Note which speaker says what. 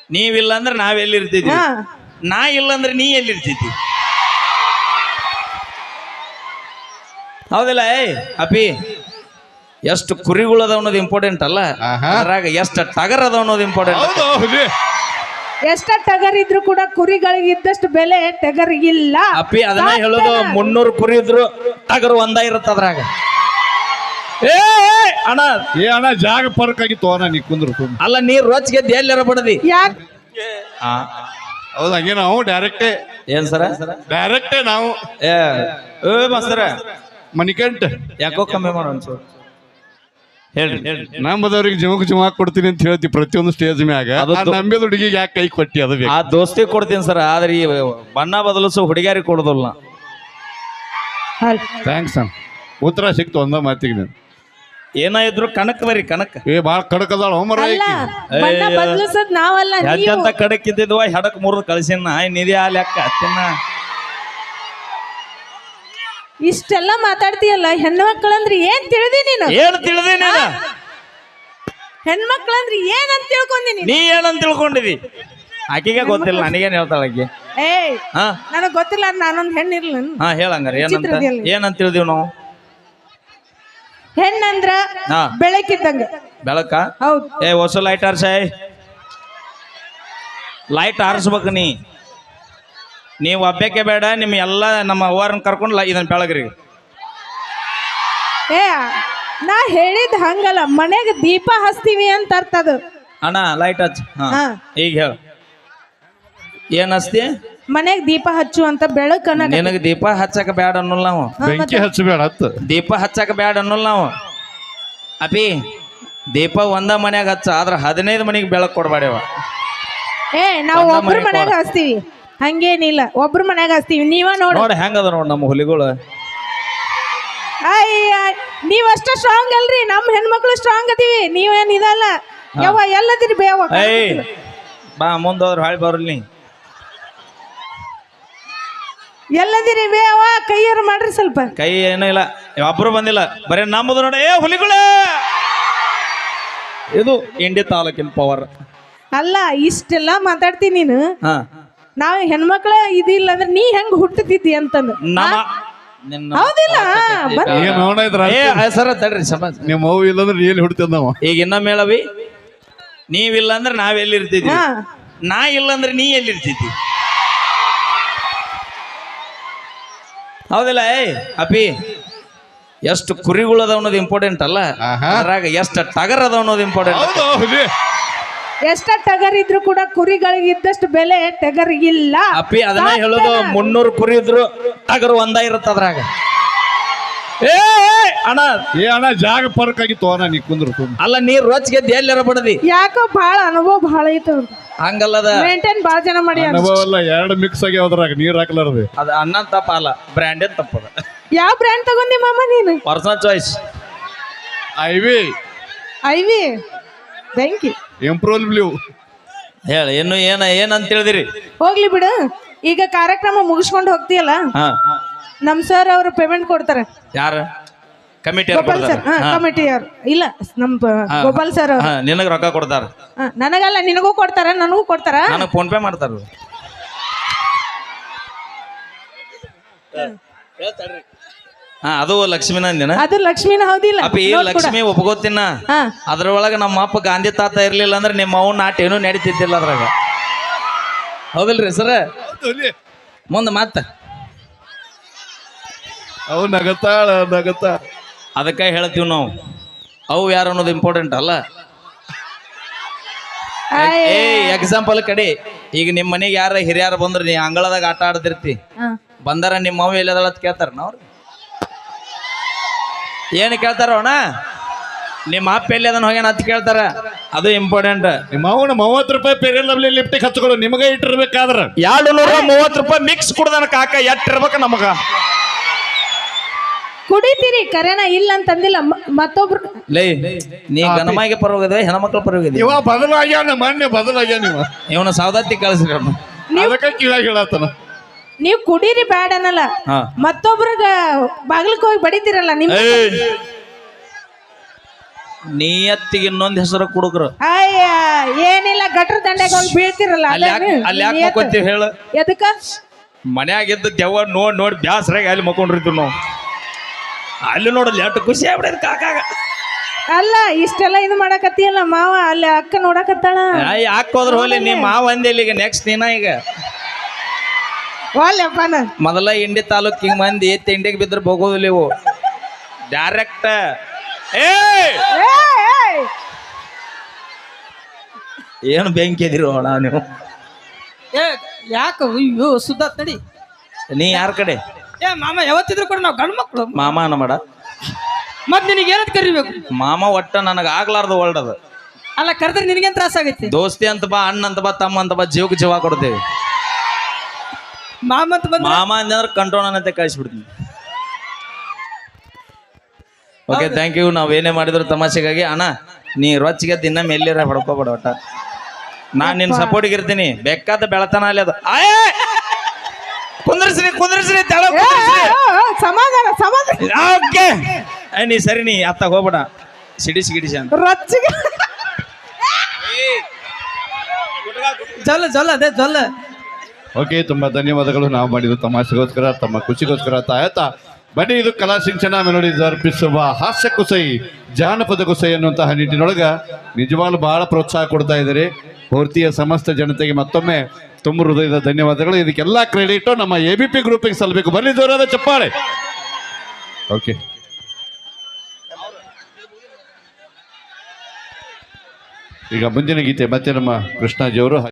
Speaker 1: ನೀವಿಲ್ಲ ಅಂದ್ರೆ ನಾವೆಲ್ಲಿರ್ತಿದ್ವಿ,
Speaker 2: ಹಾ
Speaker 1: ನಾ ಇಲ್ಲ ಅಂದ್ರೆ ನೀ ಎಲ್ಲಿರ್ತಿದ್ವಿ. ಹೌದಿಲ್ಲ? ಅಪಿ, ಎಷ್ಟು ಕುರಿಗಳು ಅದಾವ ಅನ್ನೋದು ಇಂಪಾರ್ಟೆಂಟ್ ಅಲ್ಲ, ಅದ್ರಾಗ ಎಷ್ಟು ಟಗರ್ ಅದಾವ ಅನ್ನೋದು ಇಂಪಾರ್ಟೆಂಟ್.
Speaker 2: ಎಷ್ಟ ಟಗರ್ ಇದ್ರು ಕೂಡ ಕುರಿಗಳಿಗೆ ಇದ್ದಷ್ಟು ಬೆಲೆ ಟಗರಿಗಿಲ್ಲ.
Speaker 1: ಅಪ್ಪಿ ಅದನ್ನ ಹೇಳೋದು. 300 ಕುರಿ ಇದ್ರು ಟಗರು ಒಂದ ಇರುತ್ತ ಅದ್ರಾಗ. ಅಣ್ಣ
Speaker 3: ಅಣ್ಣ ಜಾಗ ಪರ್ಕ್ ಆಗಿತ್ತು ಅಣ್ಣ, ನೀ ಕುಂದ್ರು
Speaker 1: ಅಲ್ಲ, ನೀರ್ ರೊಚ್ಗೆದ್ದು ಎಲ್ಲಾರ ಬಡದಿ.
Speaker 2: ಯಾಕೆ
Speaker 3: ಹೌದು, ಹಂಗೆ ನಾವು ಡೈರೆಕ್ಟೇ.
Speaker 1: ಏನ್ ಸರ?
Speaker 3: ಡೈರೆಕ್ಟೇ ನಾವು.
Speaker 1: ಮಸ್ತರ
Speaker 3: ಮಣಿಕಂಠ
Speaker 1: ಯಾಕೋ ಕಮ್ಮಿ ಮಾಡೋ ಅನ್ಸೋದು. ಹೇಳ್ರಿ
Speaker 3: ನಂಬದವ್ರಿಗೆ ಜಮಕ್ ಕೊಡ್ತೀನಿ ಅಂತ ಹೇಳ್ತಿ ಪ್ರತಿಯೊಂದು ಸ್ಟೇಜ್ ಮ್ಯಾಗ. ನಂಬಿದ ಹುಡುಗಿಗೆ ಯಾಕೆ ಕೈ ಕೊಟ್ಟಿ? ಅದು
Speaker 1: ಆ ದೋಸ್ತಿ ಕೊಡ್ತೀನಿ ಸರ್, ಆದ್ರೆ ಈ ಬಣ್ಣ ಬದಲಿಸೋ ಹುಡುಗಿಯಾರಿಗೆ ಕೊಡೋದಿಲ್ಲ.
Speaker 3: ಥ್ಯಾಂಕ್ಸ್ ಅಣ್ಣ, ಉತ್ತರ ಸಿಕ್ತು ಒಂದ ಮಾತಿಗೆ. ನೀನು
Speaker 1: ಏನ ಇದ್ರು ಕಣಕ್ ಬರಿ ಕಣಕ್.
Speaker 3: ಬಾಳ ಕಡಕ್ ಅದಾಳ ಹೋಮರ.
Speaker 2: ಬಣ್ಣ ಬದಲಿಸೋದ್ ನಾವಲ್ಲ,
Speaker 1: ಎಂತ ಕಡಕ್ ಇದ್ದಿದ್ವ ಹೆಡಕ್ ಮುರಿದು ಕಳ್ಸಿನ ನಿಧಿ ಆ ಲೆಕ್ಕ ತಿನ್ನ.
Speaker 2: ಇಷ್ಟೆಲ್ಲ ಮಾತಾಡ್ತೀಯಲ್ಲ, ಹೆಣ್ಮಕ್ಳಂದ್ರೆ ಏನ್ ತಿಳಿದಿ ನೀನು?
Speaker 1: ಏನ್ ತಿಳಿದಿ ನೀನು?
Speaker 2: ಹೆಣ್ಮಕ್ಳಂದ್ರೆ ಏನಂತ ತಿಳ್ಕೊಂಡಿ
Speaker 1: ನೀ ಏನಂತ ತಿಳ್ಕೊಂಡಿದಿ? ಆಕಿಗೆ ಗೊತ್ತಿಲ್ಲ, ನನಗೇನ್ ಹೇಳ್ತಾಳ ಆಕಿ.
Speaker 2: ಏಯ್ ನನಗ್ ಗೊತ್ತಿಲ್ಲ, ನಾನೊಂದ್ ಹೆಣ್ಣಿರ್ಲ.
Speaker 1: ಹಾ ಹೇಳಂಗಾರ ಏನಂತ ತಿಳಿದಿವ್ ನಾವು?
Speaker 2: ಹೆಣ್ಣಂದ್ರ ಬೆಳಕಿದ್ದಂಗ.
Speaker 1: ಬೆಳಕ?
Speaker 2: ಹೌದು.
Speaker 1: ಹೊಸ ಲೈಟ್ ಆರ್ಸಾಯ್, ಲೈಟ್ ಆರಿಸ್ಬೇಕು. ನೀವು ಒಬ್ಬಕ್ಕೆ ಬೇಡ, ನಿಮ್ ಎಲ್ಲ ನಮ್ಮ ಅವ್ವಾರನ್ನ ಕರ್ಕೊಂಡು ಇದನ್ನ ಬೆಳಗ್ರಿ.
Speaker 2: ನಾ ಹೇಳಿದ್ ಹಂಗಲ್ಲ, ಮನೆಗೆ ದೀಪ ಹಚ್ತೀವಿ ಅಂತ ಅರ್ಥ ಅದು.
Speaker 1: ಅಣ್ಣ ಲೈಟ್ ಹಚ್ಚ. ಈಗ ಹೇಳ, ಏನ್ ಹಚ್ತಿ?
Speaker 2: ಮನೆಗ್ ದೀಪ ಹಚ್ಚು ಅಂತ ಬೆಳಕನ್ನ.
Speaker 1: ನಿನಗೆ ದೀಪ ಹಚ್ಚಕ ಬ್ಯಾಡ ಅನ್ನೋಲ್ಲ ನಾವು.
Speaker 3: ಬೆಂಕಿ ಹಚ್ಚಬೇಡ,
Speaker 1: ದೀಪ ಹಚ್ಚಕ ಬ್ಯಾಡ ಅನ್ನೋಲ್ಲ ನಾವು. ಅಪಿ, ದೀಪ ಒಂದ ಮನ್ಯಾಗ ಹಚ್ಚ, ಆದ್ರ 15 ಮನೆಗೆ ಬೆಳಕು ಕೊಡ್ಬೇಡವ.
Speaker 2: ನಾವು ಒಬ್ರ ಮನ್ಯಾಗ ಹಚ್ತೀವಿ, ಹಂಗೇನಿಲ್ಲ. ಒಬ್ರ ಮನ್ಯಾಗ ಹಚ್ತೀವಿ. ನೀವ ನೋಡ
Speaker 1: ಹೆಂಗದ ನೋಡ್ ನಮ್ಮ ಹುಲಿಗಳು.
Speaker 2: ನೀವಷ್ಟ ಸ್ಟ್ರಾಂಗ್ ಅಲ್ರಿ, ನಮ್ ಹೆಣ್ಮಕ್ಳು ಸ್ಟ್ರಾಂಗ್ ಅದೀವಿ. ನೀವೇನ್ ಇದಲ್ಲ. ಯಾವ ಎಲ್ಲದಿರಿ ಬೇವ.
Speaker 1: ಬಾ ಮುಂದೋದ್ರ ಹಾಳಿ ಬರ್ಲಿ.
Speaker 2: ಎಲ್ಲದಿರಿ ಬೇವ, ಕೈಯಾರು ಮಾಡ್ರಿ ಸ್ವಲ್ಪ.
Speaker 1: ಕೈ ಏನೂ ಇಲ್ಲ, ಒಬ್ರು ಬಂದಿಲ್ಲ, ಬರೀ ನಮ್ಮದು ನೋಡ. ಹುಲಿಗಳೇ, ಇದು ಇಂಡಿ ತಾಲೂಕಿನ ಪವರ್
Speaker 2: ಅಲ್ಲ. ಇಷ್ಟೆಲ್ಲ ಮಾತಾಡ್ತೀನಿ ನೀನು. ನಾವ್ ಹೆಣ್ಮಕ್ಳ ಇದಿಲ್ಲ ಅಂದ್ರೆ ನೀ ಹೆಂಗ್ ಹುಟ್ಟತಿದ್ದಿ ಅಂತಂದು. ಹೌದಿಲ್ಲ?
Speaker 1: ಸರ ತಡ್ರಿ ಸಮಾಜ.
Speaker 3: ನಿಮ್ಮ ಮಗು ಇಲ್ಲಂದ್ರೆ ಎಲ್ಲಿ ಹುಡ್ತದ ನಾವು?
Speaker 1: ಈಗ ಇನ್ನೊಮ್ಮೆ ಹೇಳವಿ, ನೀವಿಲ್ಲ ಅಂದ್ರೆ ನಾವೆಲ್ಲಿರ್ತಿದ್ವಿ, ನಾ ಇಲ್ಲ ಅಂದ್ರೆ ನೀ ಎಲ್ಲಿರ್ತಿದ್ವಿ. ಹೌದಿಲ್ಲ? ಅಪಿ, ಎಷ್ಟು ಕುರಿಗಳು ಅದಾವ ಅನ್ನೋದು ಇಂಪಾರ್ಟೆಂಟ್ ಅಲ್ಲ, ಅದ್ರಾಗ ಎಷ್ಟು ಟಗರ್ ಅದಾವ ಅನ್ನೋದು ಇಂಪಾರ್ಟೆಂಟ್.
Speaker 2: ಎಷ್ಟ ಟಗರ್ ಇದ್ರು ಕೂಡ ಕುರಿಗಳಿಗೆ ಇದ್ದಷ್ಟು ಬೆಲೆ ಟಗರಿಗಿಲ್ಲ.
Speaker 1: ಅಪ್ಪಿ ಅದನ್ನ ಹೇಳೋದು. 300 ಕುರಿ ಇದ್ರು ಟಗರು ಒಂದ ಇರುತ್ತ ಅದ್ರಾಗ.
Speaker 3: ಅಣ್ಣ ಜಾಗ ಪರ್ಕ್ ಆಗಿತ್ತು ಅಣ್ಣ, ನೀ ಕುಂದ್ರು
Speaker 1: ಅಲ್ಲ, ನೀರ್ ರೊಚ್ಗೆದ್ದು ಎಲ್ಲಾರ ಬಡದಿ.
Speaker 2: ಯಾಕೋ ಬಹಳ ಅನುಭವ ಬಹಳ ಐತ.
Speaker 1: ಹಂಗಲ್ಲದ,
Speaker 2: ಮೇಂಟೈನ್ ಬಾಳ ಜನ ಮಾಡಿ.
Speaker 3: ಅನುಭವ ಅಲ್ಲ, 2 ಮಿಕ್ಸ್ ಆಗಿ ಅದ್ರಾಗ ನೀರ್ ಹಾಕ್ಲಾರ್ದು.
Speaker 1: ಅದು ಅಣ್ಣನ್ ತಪ್ಪ ಅಲ್ಲ, ಬ್ರ್ಯಾಂಡೇನ್ ತಪ್ಪದ.
Speaker 2: ಯಾವ ಬ್ರ್ಯಾಂಡ್ ತಗೊಂಡಿ ಮಾಮ ನೀನು?
Speaker 1: Personal choice.
Speaker 3: ಐವಿ
Speaker 2: ಥ್ಯಾಂಕ್ ಯು.
Speaker 3: Imperial Blue.
Speaker 1: ಹೇಳ, ಇನ್ನು ಏನಂತ ತಿಳಿದಿರಿ?
Speaker 2: ಹೋಗ್ಲಿ ಬಿಡು. ಈಗ ಕಾರ್ಯಕ್ರಮ ಮುಗಿಸ್ಕೊಂಡು ಹೋಗ್ತೀಯಲ್ಲ, ನಮ್ ಸರ್ ಅವರು ಪೇಮೆಂಟ್ ಕೊಡ್ತಾರೆ.
Speaker 1: ಯಾರ? Committee
Speaker 2: Gopal sir. ಕಮಿಟಿ ಯಾರು ಇಲ್ಲ, ನಮ್ ಗೋಪಾಲ್ ಸರ್ ಅವರು.
Speaker 1: ನಿನಗ ರೊಕ್ಕ ಕೊಡ್ತಾರ?
Speaker 2: ನನಗಲ್ಲ, ನಿನಗೂ ಕೊಡ್ತಾರ, ನನಗೂ ಕೊಡ್ತಾರ.
Speaker 1: ನನಗೆ ಫೋನ್ ಪೇ ಮಾಡ್ತಾರ. ಅದು ಲಕ್ಷ್ಮಿನ ಅಂದಿನ?
Speaker 2: ಅದು ಲಕ್ಷ್ಮಿನ. ಹೌದಿಲ್ಲ?
Speaker 1: ಅಪ್ಪ, ಈ ಲಕ್ಷ್ಮಿ ಒಪ್ಕೋತಿನ. ಅದ್ರೊಳಗ ನಮ್ಮ ಅಪ್ಪ ಗಾಂಧಿ ತಾತ ಇರ್ಲಿಲ್ಲ ಅಂದ್ರೆ ನಿಮ್ಮ ಅವ್ನ ನಾಟ ಏನೂ ನಡೀತಿದ್ದಿಲ್ಲ ಅದ್ರಾಗ. ಹೌದಿಲ್ರಿ ಸರ? ಮುಂದೆ ಮತ್ತ
Speaker 3: ಅವು ನಗತಾಳ.
Speaker 1: ಅದಕ್ಕೆ ಹೇಳ್ತೀವಿ ನಾವು, ಅವು ಯಾರು ಅನ್ನೋದು ಇಂಪಾರ್ಟೆಂಟ್ ಅಲ್ಲ. ಎಕ್ಸಾಂಪಲ್ ಕಡೆ, ಈಗ ನಿಮ್ಮ ಮನೆಗೆ ಯಾರ ಹಿರಿಯಾರ ಬಂದ್ರೆ ನೀ ಅಂಗಳದಾಗ ಆಟ ಆಡ್ತಿರ್ತಿ, ಬಂದಾರ ನಿಮ್ಮ ಅವ ಎಲ್ಲದಳ ಅಂತ ಕೇಳ್ತಾರ ನಾವ್ರು? ಏನು ಕೇಳ್ತಾರ ಅಣ್ಣ? ನಿಮ್ಮ ಅಪ್ಪ ಎಲ್ಲಿ ಅದನ್ನ ಹೋಗ್ಯಾನ ಅಂತ ಕೇಳ್ತಾರ. ಅದು ಇಂಪಾರ್ಟೆಂಟ್.
Speaker 3: ನಿಮ್ಮ ಅವನ 30 ರೂಪಾಯಿ ಪೇರಿಯಲ್ ಲವ್ಲಿ ಲಿಫ್ಟಿಗೆ ಹಚ್ಕೊಳ್ಳೋ ನಿಮಗೆ ಇಟ್ಟಿರ್ಬೇಕಾದ್ರ
Speaker 1: 230 ರೂಪಾಯಿ ಮಿಕ್ಸ್ ಕುಡ್ದಾನ ಕಾಕ, ಎಟ್ಟಿರ್ಬೇಕ ನಮಗ.
Speaker 2: ಕುಡಿತೀರಿ ಕರೆನ, ಇಲ್ಲ ಅಂತಂದಿಲ್ಲ. ಮತ್ತೊಬ್ರು
Speaker 1: ಲೇ, ನೀ ಗಣಮಾಯಿಗೆ ಪರವಾಗಿದೆ, ಹೆಣ್ಮಕ್ಳ ಪರವಾಗಿದೆ.
Speaker 3: ಇವ ಬದಲಾಗ್ಯಾನ, ಮೊನ್ನೆ ಬದಲಾಗ್ಯಾನ. ಇವನ
Speaker 1: ಸೌದತ್ತಿ ಕಳಿಸ್ರಿ.
Speaker 3: ಅದಕ್ಕೆ ಕೀಳಾಗಿ ಹೇಳತ್ತನ.
Speaker 2: ನೀವು ಕುಡೀರಿ ಬ್ಯಾಡ ಅನ್ನಲ್ಲ, ಮತ್ತೊಬ್ರಗ ಬಾಗಿಲಕ್ಕೆ ಹೋಗಿ ಬಡಿತೀರಲ್ಲ. ನಿಮ್
Speaker 1: ನಿಯತ್ತಿಗೆ ಇನ್ನೊಂದ್ ಹೆಸರು ಕುಡುಕ್ರು
Speaker 2: ಅಯ್ಯ ಏನಿಲ್ಲ ಗಟ್ರ ದಂಡೆಗೆ ಹೋಗಿ ಬೀಳ್ತಿರಲ್ಲ
Speaker 1: ಅಲ್ಲಿ ಯಾಕೆ ಮಕ್ಕೊಂತೀವಿ ಹೇಳು
Speaker 2: ಎದಕ್ಕ
Speaker 1: ಮನ್ಯಾಗಿದ್ದ ದೆವ್ವ ನೋಡಿ ಬ್ಯಾಸರಾಗಿ ಅಲ್ಲಿ ಮಕ್ಕೊಂಡಿರ್ತೀವಿ ನಾವು ಅಲ್ಲಿ ನೋಡಲ್ಲ ಎಷ್ಟು ಖುಷಿ ಆಗ್ಬಿಡೋದು ಕಾಕಾಗ
Speaker 2: ಅಲ್ಲ ಇಷ್ಟೆಲ್ಲ ಇದು ಮಾಡಕತ್ತಿಯಲ್ಲ ಮಾವ ಅಲ್ಲಿ ಅಕ್ಕ ನೋಡಕತ್ತಾಳ
Speaker 1: ಯಾಕೆ ಹೋದ್ರ ಹೋಲಿ ನೀ ಮಾವ ಅಂದಿಲ್ಲ ಈಗ ನೆಕ್ಸ್ಟ್ ನೀನ ಈಗ
Speaker 2: ವಾಲ್ಯಪ್ಪನ
Speaker 1: ಮೊದಲ ಇಂಡಿ ತಾಲೂಕ್ ಹಿಂಗ್ ಮಂದಿ ತಿಂಡಿಗೆ ಬಿದ್ರೆ ಹೋಗೋದಿಲ್ಲ ಇವು ಡೈರೆಕ್ಟ್ ಏನು ಬೆಂಕಿ ಎದಿರೋ ಅಣ್ಣ ನೀವು
Speaker 4: ಯಾಕ ಅಯ್ಯೋ ಸುದ್ದ ತಡಿ
Speaker 1: ನೀ ಯಾರ ಕಡೆ
Speaker 4: ಮಾಮ ಯಾವತ್ತಿದ್ರು ಕೂಡ ನಾವು ಗಂಡು ಮಕ್ಕಳು
Speaker 1: ಮಾಮ ಅನ್ನ ಮಾಡ
Speaker 4: ಮತ್ ನಿನಗೆ ಏನಂತ ಕರಿಬೇಕು
Speaker 1: ಮಾಮ ಒಟ್ಟ ನನಗೆ ಆಗ್ಲಾರ್ದು ವರ್ಲ್ಡ್ ಅದು
Speaker 4: ಅಲ್ಲ ಕರೆದ್ರೆ ನಿನಗೇನ್ ತ್ರಾಸ ಆಗೈತಿ
Speaker 1: ದೋಸ್ತಿ ಅಂತ ಬಾ ಅಣ್ಣ ಅಂತ ಬಾ ತಮ್ಮ ಅಂತ ಬಾ ಜೀವಕ್ಕೆ ಜೀವ ಕೊಡ್ತೇವೆ
Speaker 4: ಮಾಮ ಅಂತ ಬಂದ
Speaker 1: ಮಾಮ ಅಂದ್ರೆ ಕಂಟ್ರೋಲ್ ಅನ್ನತ್ತೆ ಕಳಿಸ್ಬಿಡ್ತೀನಿ ಓಕೆ ಥ್ಯಾಂಕ್ ಯು ನಾವೇನೇ ಮಾಡಿದ್ರು ತಮಾಷೆಗಾಗಿ ಅಣ್ಣ ನೀ ರೊಚ್ಚಿಗೆ ದಿನ ಮೇಲಿರ ಹೊಡ್ಕೋಬೇಡ ಒಟ್ಟ ನಾನ್ ನಿನ್ನ ಸಪೋರ್ಟಿಗೆ ಇರ್ತೀನಿ ಬೇಕಾದ ಬೆಳತನ ಅಲ್ಲಿ ಅದು ಕುಂದ್ರಸ್ರಿ ತಳ
Speaker 2: ಸಮಾಧಾನ ಸಮಾಧಾನ
Speaker 1: ಓಕೆ ನೀ ಸರಿ ನೀ ಅತ್ತಾಗ ಹೋಗ್ಬೇಡ ಸಿಡಿಸಿ ಅಂತ
Speaker 2: ರೊಚ್ಚಿಗೆ
Speaker 4: ಜೊಲ್ಲ ಅದೇ ಜೊಲ್ಲ
Speaker 3: ಓಕೆ ತುಂಬಾ ಧನ್ಯವಾದಗಳು. ನಾವು ಮಾಡಿದ್ದು ತಮಾಷೆಗೋಸ್ಕರ ತಮ್ಮ ಖುಷಿಗೋಸ್ಕರ ಆಯ್ತಾ. ಬನ್ನಿ, ಇದು ಕಲಾ ಸಿಂಚನ ಮೆಲೋಡಿ ಅರ್ಪಿಸುವ ಹಾಸ್ಯ ಕುಸೈ ಜಾನಪದ ಕುಸೈ ಅನ್ನುವಂತಹ ನಿಟ್ಟಿನೊಳಗ ನಿಜವಾಗ್ಲೂ ಬಹಳ ಪ್ರೋತ್ಸಾಹ ಕೊಡ್ತಾ ಇದ್ದಾರೆ. ಪೂರ್ತಿಯ ಸಮಸ್ತ ಜನತೆಗೆ ಮತ್ತೊಮ್ಮೆ ತುಂಬ ಹೃದಯದ ಧನ್ಯವಾದಗಳು. ಇದಕ್ಕೆಲ್ಲ ಕ್ರೆಡಿಟ್ ನಮ್ಮ ABP ಗ್ರೂಪಿಗೆ ಸಲ್ಲಬೇಕು. ಬನ್ನಿ, ಜೋರಾದ ಚಪ್ಪಾಳೆ. ಓಕೆ, ಈಗ ಮುಂದಿನ ಗೀತೆ ಮತ್ತೆ ನಮ್ಮ ಕೃಷ್ಣಾಜಿಯವರು